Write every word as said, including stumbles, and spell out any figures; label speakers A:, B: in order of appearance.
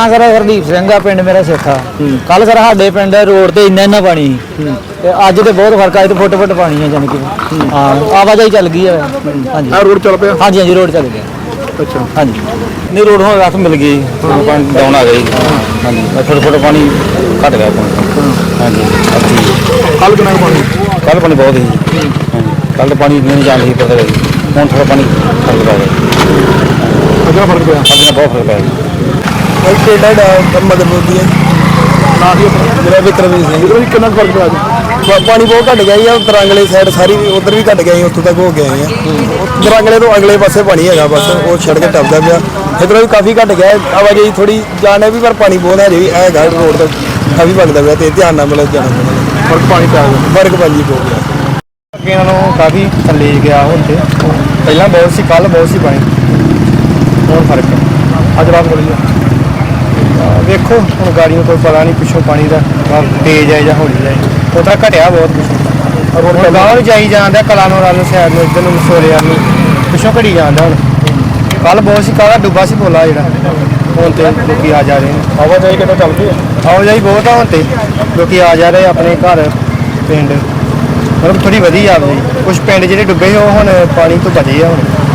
A: ਨਾਂ ਸਰ ਹਰਦੀਪ ਸਿੰਘ ਆ, ਪਿੰਡ ਮੇਰਾ ਸੇਖਾ। ਕੱਲ ਸਰ ਸਾਡੇ ਪਿੰਡ ਰੋਡ ਤੇ ਇੰਨਾ ਇੰਨਾ ਪਾਣੀ ਸੀ ਤੇ ਅੱਜ ਤੇ ਬਹੁਤ ਫਰਕ ਆ, ਤੇ ਫੁੱਟ ਫੁੱਟ ਪਾਣੀ ਹੈ ਜਾਨ ਕਿ ਹਾਂ ਆਵਾਜਾਈ ਚੱਲ ਗਈ ਹੈ। ਹਾਂਜੀ
B: ਆ ਰੋਡ ਚੱਲ ਪਿਆ।
A: ਹਾਂਜੀ ਹਾਂਜੀ ਰੋਡ ਚੱਲ ਗਿਆ।
B: ਅੱਛਾ
A: ਹਾਂਜੀ ਨਹੀਂ ਰੋਡ ਹੁਣ ਰਾਤ ਮਿਲ ਗਈ, ਪਾਣੀ ਡਾਊਨ ਆ ਗਈ। ਹਾਂਜੀ ਫੁੱਟ ਫੁੱਟ ਪਾਣੀ ਘਟ ਗਿਆ। ਹਾਂਜੀ
B: ਕੱਲ ਕਿੰਨਾ ਪਾਣੀ?
A: ਕੱਲ ਪਾਣੀ ਬਹੁਤ ਸੀ। ਹਾਂਜੀ ਕੱਲ ਪਾਣੀ ਨਹੀਂ ਜਾਣ ਸੀ ਪਤਾ ਹੁਣ ਥੋੜਾ ਪਾਣੀ ਫਰਕ ਪੈ ਗਿਆ।
B: ਅੱਗੇ ਫਰਕ ਪਿਆ।
A: ਅੱਜ ਨਾਲ ਬਹੁਤ ਫਰਕ ਪੈ ਗਿਆ।
C: ਕਿਹੜਾ ਡਾ ਮਦਰਪੁਰ ਹੈ
B: ਨਾ ਹੀ
C: ਮੇਰਾ ਵਿਕਰਮਜੀਤ ਸਿੰਘ।
B: ਇਧਰ ਵੀ ਕਿੰਨਾ ਕੁ ਫਰਕ ਪਿਆ ਅੱਜ?
C: ਪਾਣੀ ਬਹੁਤ ਘਟ ਗਿਆ ਜੀ। ਦਰਾਂਗਲੇ ਸਾਈਡ ਸਾਰੀ ਉਧਰ ਵੀ ਘਟ ਗਿਆ ਜੀ, ਉੱਥੋਂ ਤੱਕ ਹੋ ਕੇ ਆਏ ਆ। ਦਰਾਂਗਲੇ ਤੋਂ ਅਗਲੇ ਪਾਸੇ ਪਾਣੀ ਹੈਗਾ, ਬਸ ਉਹ ਸੜਕ ਟੱਪਦਾ ਪਿਆ। ਇੱਧਰੋਂ ਵੀ ਕਾਫੀ ਘਟ ਗਿਆ ਆਵਾਜਾਈ, ਥੋੜੀ ਜਾਣ ਹੈ ਵੀ, ਪਰ ਪਾਣੀ ਬਹੁਤ ਹਜੇ ਵੀ ਹੈਗਾ ਰੋਡ ਤੇ ਕਾਫੀ ਵਗਦਾ ਪਿਆ, ਤੇ ਧਿਆਨ ਨਾਲ ਮਤਲਬ ਜਾਣਾ ਪੈਣਾ।
B: ਫਰਕ ਪਾਣੀ ਪੈ ਗਿਆ।
C: ਫਰਕ ਭਾਜੀ ਬਹੁਤ ਗਿਆ।
A: ਅੱਗੇ ਇਹਨਾਂ ਨੂੰ ਕਾਫੀ ਥੱਲੇ ਗਿਆ ਹੁਣ ਤੇ, ਪਹਿਲਾਂ ਬਹੁਤ ਸੀ, ਕੱਲ ਬਹੁਤ ਸੀ ਪਾਣੀ, ਹੁਣ ਫਰਕ ਹੈ।
B: ਅੱਜ ਰਾਤ ਬੜੀ ਆ।
A: ਵੇਖੋ ਹੁਣ ਗਾੜੀ ਨੂੰ ਕੋਈ ਪਤਾ ਨਹੀਂ ਪਿੱਛੋਂ ਪਾਣੀ ਦਾ ਤੇਜ਼ ਹੈ ਜਾਂ ਹੌਲੀ ਹੈ, ਉਹ ਤਾਂ ਘਟਿਆ ਬਹੁਤ ਪਿੱਛੋਂ। ਰੋਡ ਗਾਂਹ ਨੂੰ ਜਾਈ ਜਾਂਦਾ, ਕਲਾ ਨੂੰ ਵੱਲ ਨੂੰ ਸਾਈਡ ਨੂੰ, ਇੱਧਰ ਨੂੰ ਮਸੋਰੇ ਵੱਲ ਨੂੰ ਪਿੱਛੋਂ ਘਟੀ ਜਾਂਦਾ। ਹੁਣ ਕੱਲ ਬਹੁਤ ਸੀ, ਕੱਲ੍ਹ ਡੁੱਬਾ ਸੀ ਪੋਲਾ ਜਿਹੜਾ, ਹੁਣ ਤੇ ਲੋਕੀ ਆ ਜਾ ਰਹੇ ਨੇ।
B: ਆਵਾਜਾਈ ਕਿੱਦਾਂ ਚੱਲ ਪਈ?
A: ਆਵਾਜਾਈ ਬਹੁਤ ਆ ਹੁਣ ਤੇ, ਲੋਕੀ ਆ ਜਾ ਰਹੇ ਆਪਣੇ ਘਰ ਪਿੰਡ, ਮਤਲਬ ਥੋੜੀ ਵਧੀਆ ਆਵਾਜਾਈ। ਕੁਛ ਪਿੰਡ ਜਿਹੜੇ ਡੁੱਬੇ ਉਹ ਹੁਣ ਪਾਣੀ ਤੋਂ ਬਚੇ ਆ ਹੁਣ।